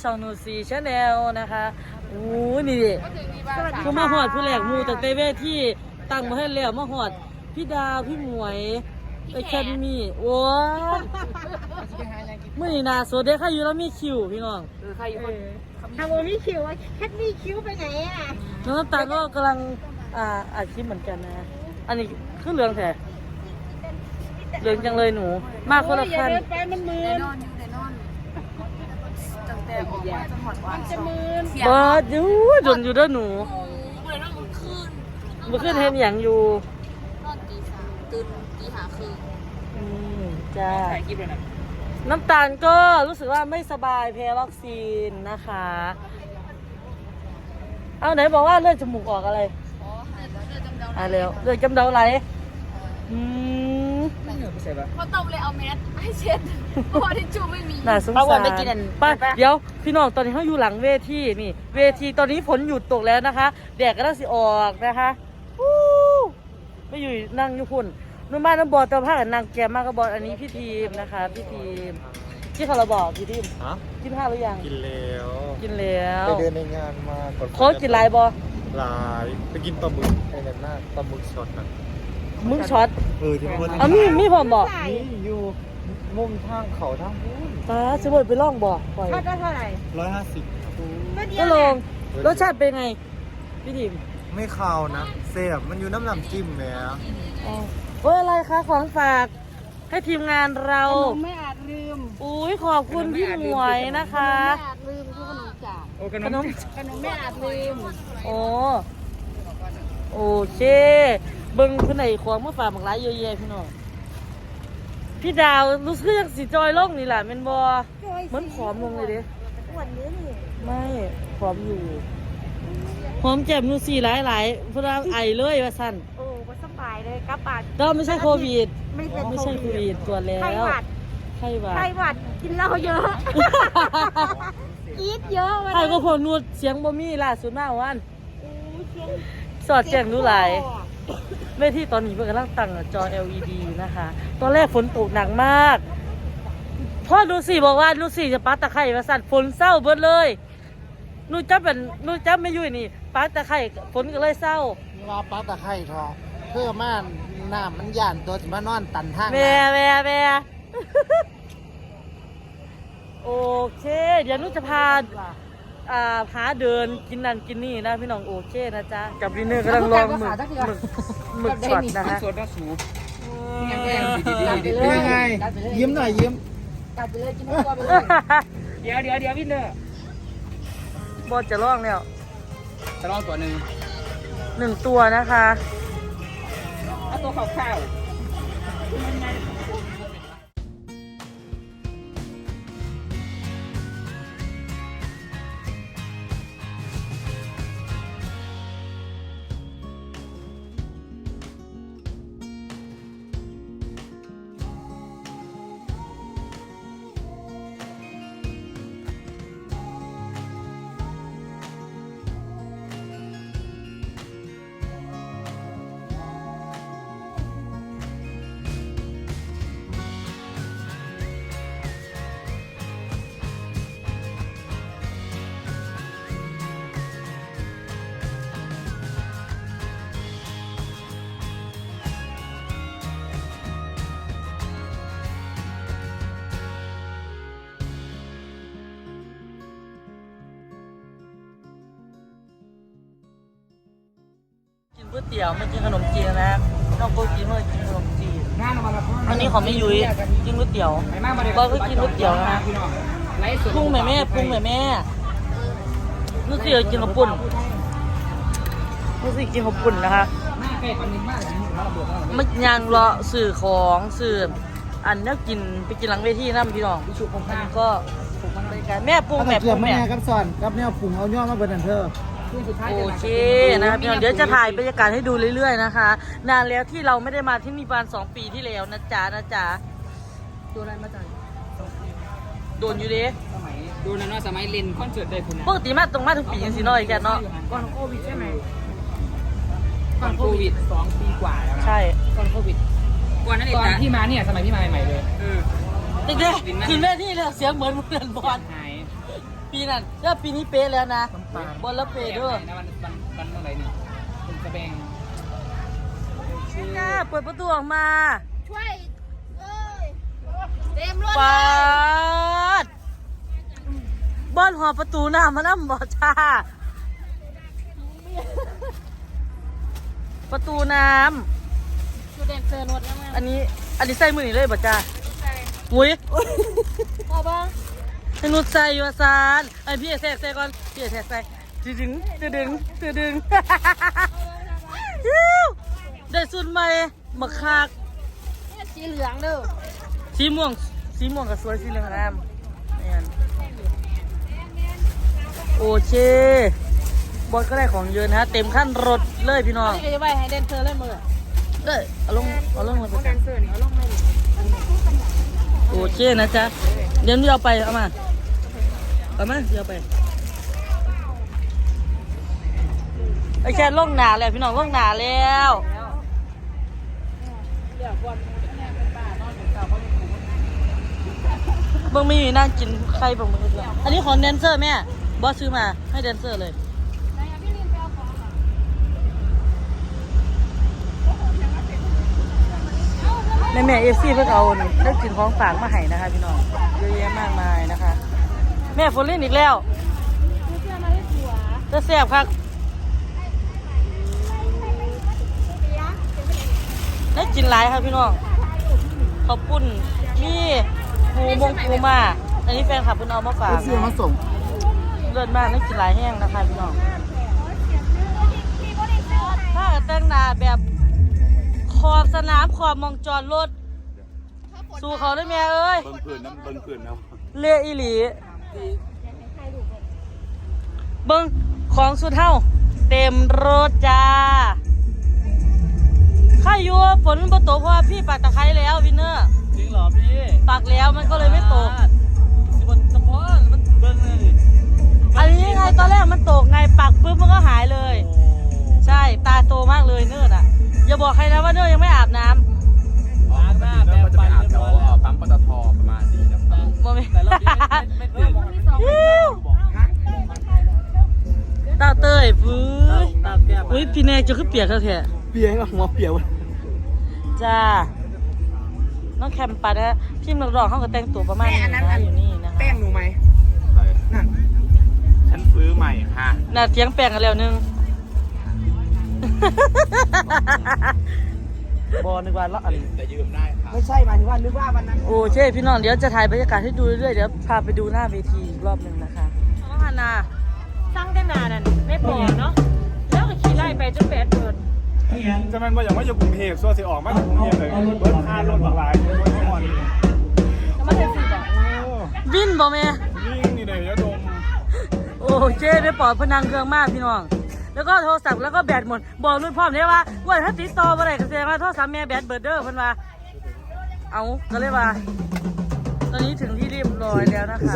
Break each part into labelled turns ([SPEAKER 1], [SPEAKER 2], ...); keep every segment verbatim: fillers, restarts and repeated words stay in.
[SPEAKER 1] ช่องนูซีชาแนลนะคะโอ้นี่ดิก็มาหอดผู้แหลกมูแต่เตเวที่ตั้งมาให้แล้วมาหอดพี่ดาวพี่หมวยไอแคมมี่โอ้เมื่อนี่นาสดเด็กข้าอยู่แล้วมีคิวพี่น้อง
[SPEAKER 2] เออใครอยู่คน
[SPEAKER 3] ทำโอมีคิวอะแคทมีคิวไปไหนอ่ะ
[SPEAKER 1] น้องน้ำตาลก็กำลังอ่าอัดคลิปเหมือนกันนะอันนี้คือเรื่องแท้เรื่องจังเลยหนูมากคนละคัน
[SPEAKER 3] ไปมันมืน
[SPEAKER 2] นอนอยู่ในนอนจังแต่ออกมาจังหวัดวันจะมืน
[SPEAKER 1] เบิร์ดอยู่จนอยู่ด้วยหนู
[SPEAKER 2] เลยนอนมันคืน
[SPEAKER 1] มันขึ้นเห็นอย่างอยู่
[SPEAKER 2] นอนตีสามตื่นตีห้าคืน
[SPEAKER 1] อืมจ้าน้ำตาลก็รู้สึกว่าไม่สบายแพ้วัคซีนนะคะเอาไหนบอกว่าเลือดจมูกออกอะไร
[SPEAKER 2] อ๋อเลือดจำเดา
[SPEAKER 1] อ่าเร็วเลือดจำเดาไหลอืม
[SPEAKER 2] พอตบเลยเอาแมสให้เช็ดเพราะว่าทิชชู่ไม่มี
[SPEAKER 1] น่าสงสารป้าเดี๋ยวพี่น้องตอนนี้เขาอยู่หลังเวทีนี่เวทีตอนนี้ฝนหยุดตกแล้วนะคะแดดก็ต้องสิออกนะคะไม่อยู่นั่งอยู่พุ่นนุ่มบ้านน้ำบอลตัวผ้ากับนางแกมากกับบอลอันนี้พี่ทีมนะคะพี่ทีมที่เขาเราบอกพี่ทีมกินข้าวหรือยัง
[SPEAKER 4] กินแล้ว
[SPEAKER 1] กินแล้ว
[SPEAKER 4] ไปเดินในงานมาก่อน
[SPEAKER 1] เขากินลายบอ
[SPEAKER 4] ลายไปกินปลาหมึกในนั้นหน้าปลาหมึกช็อตนะ
[SPEAKER 1] มึงช็อต
[SPEAKER 4] เออที่พูด
[SPEAKER 1] อ๋อมีมีผมบอก
[SPEAKER 4] นี่อยู่มุมทางเขาทางพูน
[SPEAKER 1] ป้าจะบดไปล่องบ่อปล่อย
[SPEAKER 3] ทอดได้เท่าไหร่
[SPEAKER 4] ร้อยห้าสิบ
[SPEAKER 1] ก็ลงรสชาติเป็นไงพี่ทีม
[SPEAKER 4] ไม่คาวนะเสียบมันอยู่น้ำน้ำจิ้มแหม
[SPEAKER 1] อ๋อเฮ้ยอะไรคะของฝากให้ทีมงานเรา
[SPEAKER 3] ขนมไม่อาจลืม
[SPEAKER 1] อุ้ยขอบคุณพี่หมวยนะคะ
[SPEAKER 3] ไม่อาจลืมคือขนมจ่า
[SPEAKER 1] ขนม
[SPEAKER 3] ขนมไม่อาจลืม
[SPEAKER 1] โอ้โอเคเบิ้งคนไหนของมาฝากหมากหลายเยอะแยะพี่น้องพี่ดาวรู้สึกยังสีจอยล่องนี่แหละเป็นบอเหมือนผอมลงเลยเด้
[SPEAKER 3] วันนี้นี่
[SPEAKER 1] ไม่ผอมอยู่หอมแจ่มนูสีหลายหลายพระไอเลยว่าสั้น
[SPEAKER 3] โอ้ก็สบายเลยกระปัด
[SPEAKER 1] ก็ไม่ใช่โควิด
[SPEAKER 3] ไม่เป็น
[SPEAKER 1] ไม่ใช่โควิดตัวแล้วไข้หวัด
[SPEAKER 3] ไข้หวัดไข้หวัดกินเหล้าเยอะกีดเยอะ
[SPEAKER 1] ไข้ก็พอนูดเสียงบ่มีล่าสุดมากวันสอดแจ้งดูหลายเวทีตอนนี้เพิ่งกำลังตั้งจอ แอล อี ดี นะคะตอนแรกฝนตกหนักมากพ่อดูสิบอกว่าดูสิจะปัดตะไคร่มาสั่นฝนเศร้าเบิดเลยนูจับเป็นนูจับไม่ยุ่ยนี่ปัดตะไคร่ฝนก็เลยเศร้า
[SPEAKER 4] ว่าปัดตะไคร่ทอเพื่อม่านน้ำมันย่านตัวจะมานอนตันทาง
[SPEAKER 1] แม่แม่แม่โอเคเดี๋ยวนูจะพาอ่าหาเดินกินนั่นกินนี่นะพี่น้องโอเคนะจ๊ะกับดินเนอร์กำลังลองหมึกหมึกหมึกช็อตนะคะ
[SPEAKER 4] สดนะสูบยังไงยิ้มหน่อยยิ้ม
[SPEAKER 3] กัดไปเลยกินตัวไปเลย
[SPEAKER 2] เดี๋ยวเดี๋ยวเดี๋ยวพี่เนอร์
[SPEAKER 1] บอสจะลองแล้ว
[SPEAKER 2] จะลองตัวหนึ่ง
[SPEAKER 1] หนึ่งตัวนะคะ
[SPEAKER 2] เอาตัวข้าว
[SPEAKER 1] ก๋วยเตี๋ยวไม่กินขนมจีนนะน้องโกกินเมื่อกินขนมจีนอันนี้ของไม่ยุ้ยกินก๋วยเตี๋ยวก็คือกินก๋วยเตี๋ยวนะพุ่งแม่แม่พุ่งแม่แม่นู่นสิกินข้าวปุ้นนู่นสิกินข้าวปุ้นนะคะไม่ยังรอสื่อของสื่ออันนี้กินไปกินหลังเวทีนั่นพี่น้องก็แม่ปรุงแม่ปรุงแม่
[SPEAKER 4] กับสอนกับเนี่ยปรุงเอาย่อมาเบิร์นเธอ
[SPEAKER 1] โอเคนะครับเดี๋ยวจะถ่ายบรรยากาศให้ดูเรื่อยๆนะคะนานแล้วที่เราไม่ได้มาที่นี่ประมาณสองปีที่แล้วนะจ๊ะนะจ๊ะ
[SPEAKER 2] โดนอะไรมาจาก
[SPEAKER 1] โดนอยู่ดิ
[SPEAKER 2] สมัยโดนนะสมัยเล่นคอนเสิร์ตได้คุณ
[SPEAKER 1] ปกติมาตรงมาถึงปียังสิน้อยแกเนาะ
[SPEAKER 2] ก่อนโควิดใช่ไหมก่อนโควิดสองปีกว่าแล้ว
[SPEAKER 1] ใช่
[SPEAKER 2] ก่อนโควิดก่อนนั้นตอนที่มาเนี่ยสมัยที่มาใหม่ๆเลย
[SPEAKER 1] เด็กๆกินแม่ที่เลยเสียงเหมือนเหมือนบอล
[SPEAKER 2] หาย
[SPEAKER 1] ปีนั้นแล้วปีนี้เป๊ะแล้วนะ
[SPEAKER 4] น้ำปลา
[SPEAKER 1] บอลแล้วเป๊ะด้วย
[SPEAKER 2] นะมันมันมันเมื่อไหร่นี่คุณกระเบง
[SPEAKER 1] จ้าเปิดประตูออกมา
[SPEAKER 3] ช่วยเอ้ยเต็มรถ
[SPEAKER 1] ปาดบอลหัวประตูหน้ามันน้ำบ่จ้าประตูน้
[SPEAKER 3] ดูเด่นเซอร์นวดแล้วมั้ง
[SPEAKER 1] ำอันนี้อันนี้ใส่มือนี่เลยบ่จ้าอุ้ย
[SPEAKER 3] พอบ้าง
[SPEAKER 1] ให้นุชใส่อยู่ว่าซานไอพี่เอกแทรกใส่ก่อนพี่เอกแทรกใส่ตึดึงตึดึงตึดึงฮิ้วได้สุดใหม่มาคัก
[SPEAKER 3] เนี่ยสีเหลืองเด้อ
[SPEAKER 1] สีม่วงสีม่วงกับสวยสีเหลืองงามเนี่ยโอเคบอสก็ได้ของเยอะนะฮะเต็มขั้นรถเลยพี่น้อง
[SPEAKER 3] นี่ก็จะไปให้เดนเซอร์เล่นมือ
[SPEAKER 1] เลยเอาลงเอาลงมาไป
[SPEAKER 3] เดนเซอร์นี่เอาลงมาดิ
[SPEAKER 1] โอเคนะจ๊ะเดี๋ยวนี้เอาไปเอามาเอามาเดี๋ยวเอาไปไอ้แค่ลงหนาแล้วพี่น้องลงหนาแล้ว
[SPEAKER 2] เดี๋ยวก่อนแม่เป็นบ้านอนอยู่เก่าเขาอยู่
[SPEAKER 1] เบิ่งมีนั่งกินไข่บ่มึงเลยอันนี้ของแดนเซอร์แม่บอสซื้อมาให้แดนเซอร์เลยแม่แม่เอฟซีเพิ่งเอาได้กินของฝากมาให้นะคะพี่น้องเยอะแยะมากมายนะคะ แม่ฝนเล่นอีกแล้วจะแซ่บครับได้กินหลายครับพี่น้องขอบคุณมีปูมงปูมาอันนี้แฟนคลับเพิ่นเอามาฝาก
[SPEAKER 4] เสื้อมาส่ง
[SPEAKER 1] เลิศมากได้กินหลายแห้งนะคะพี่น้องถ้าแต่งหน้าแบบขอบสนามขอบมองจอดรถสู่เขาได้แม่เอ้ย
[SPEAKER 5] เบิ่งผืนน้ำเบิ่งผืนเนาะ
[SPEAKER 1] เลียอีหลีเบิ้งของสุดเท่าเต็มรถจ้าข้าอยู่ฝนบ่ตกเพราะว่าพี่ปักตะไคร้แล้ววินเนอร์
[SPEAKER 2] จริงเหรอพี่
[SPEAKER 1] ปักแล้วมันก็เลยไม่ตก
[SPEAKER 2] สิบนเฉพาะมันเบิ่งเลย
[SPEAKER 1] อันนี้ไงตอนแรกมันตกไงปักปุ๊บมันก็หายเลย ใช่ตาโตมากเลยเนิร์ดอ่ะอย่าบอกใครนะว่าเนิร์ดยังไม่อาบน้ำ
[SPEAKER 2] ล้างหน้า
[SPEAKER 5] แล้
[SPEAKER 2] แปร
[SPEAKER 5] ว
[SPEAKER 2] ง
[SPEAKER 5] ก็จะ
[SPEAKER 2] ฟั
[SPEAKER 5] ไป
[SPEAKER 2] น
[SPEAKER 5] อาบ
[SPEAKER 2] เรียบ
[SPEAKER 5] แถว
[SPEAKER 2] ร้อยแล้ว
[SPEAKER 5] ปั๊มปตทประมาณนี้นะครับ
[SPEAKER 1] บ่มี
[SPEAKER 2] แต่เราไม่ไม่ตื่น
[SPEAKER 1] ตาเต้ยฟื้น
[SPEAKER 2] ตาแก้ม
[SPEAKER 1] อุ้ยพี่แนกจะขึ้นเปียกแล้วแท้
[SPEAKER 4] เปียกหัวเปียก
[SPEAKER 1] จ้าน้องแคมปัดนะพี่นักร้องเขาก็แต่งตัวประมาณนี้นะอยู่นี่นะคะ
[SPEAKER 4] แป้งหนูไหม
[SPEAKER 5] นั่นฉันซื้อใหม่ค่ะ
[SPEAKER 1] น่าเทียงแปลงกันแล้วนึง บอนึกว่าละอัน
[SPEAKER 5] แต่ยืมได้ค่ะ
[SPEAKER 4] ไม่ใช่หมายถึงว่านึกว่าวันนั้น
[SPEAKER 1] โอ้เช่พี่น้องเดี๋ยวจะถ่ายบรรยากาศให้ดูเรื่อยๆเดี๋ยวพาไปดูหน้าเวทีอีกรอบหนึ่งนะคะน้องฮานา
[SPEAKER 3] สร้างได้นานนั่นไม่พอเนาะแล้วก็ขี่ไล่ไปจนแปดเปิด
[SPEAKER 6] จะมันว่าอย่างว่าอยู่กรุงเทพส่วนสิออกมาจากกรุงเทพเลยเบิร์ดค่ารถหลายรถทั้งวัน
[SPEAKER 3] แล้วมาเซ็นสี่บอก
[SPEAKER 1] วินบอแม่
[SPEAKER 6] วิ่งนี่เลยยะดม
[SPEAKER 1] โอ้เจ้ได้ปลอดพนังเครื่องมากพี่น้องแล้วก็โทรศัพท์แล้วก็แบตหมดบอกรุ่นพ่อมเลยว่าว่าถ้าติดต่ออะไรก็แสดงว่าโทรศัพท์แม่แบตเบิดเด้อเพิ่นว่าเอาก็เลยว่า ตอนนี้ถึงที่เรียบร้อยแล้วนะคะ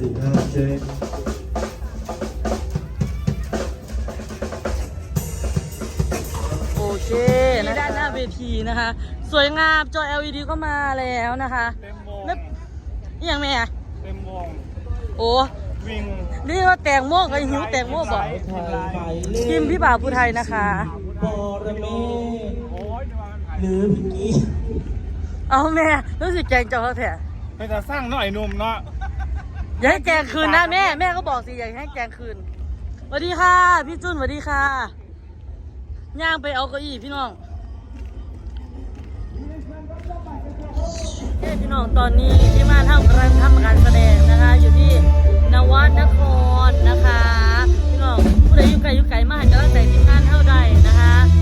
[SPEAKER 1] โอเคนะด้านหน้าเวทีนะคะ สวยงามจอ แอล อี ดี ก็มาแล้วนะคะ
[SPEAKER 6] เต็มวง
[SPEAKER 1] แล้วอหย่างแม่
[SPEAKER 6] เต็มวง
[SPEAKER 1] โอ้
[SPEAKER 6] วิ่ง
[SPEAKER 1] นี่ว่าแตงโมกับหิวแตงโมบอกทีมพี่บ่าวผู้ไทยนะคะ
[SPEAKER 6] โอ้ยหรือ
[SPEAKER 1] เอาแม่รู้สึกแกงเจ้าเขาแท้
[SPEAKER 6] ไปจะสร้างหน่อยหนุ่มเนาะ
[SPEAKER 1] อย่าให้แกงคืนนะแม่แม่ก็บอกสิอย่าให้แกงคืนสวัสดีค่ะพี่จุนสวัสดีค่ะย่างไปเอาเก้าอี้พี่น้องเฮ้พี่น้องตอนนี้ที่มาทำกำลังทำการแสดงนะคะ อยู่ที่นวัดนครนะคะพี่น้องผู้ใดอยู่ไกลอยู่ไกลมาให้กำลังใจทีมงานเท่าใดนะคะ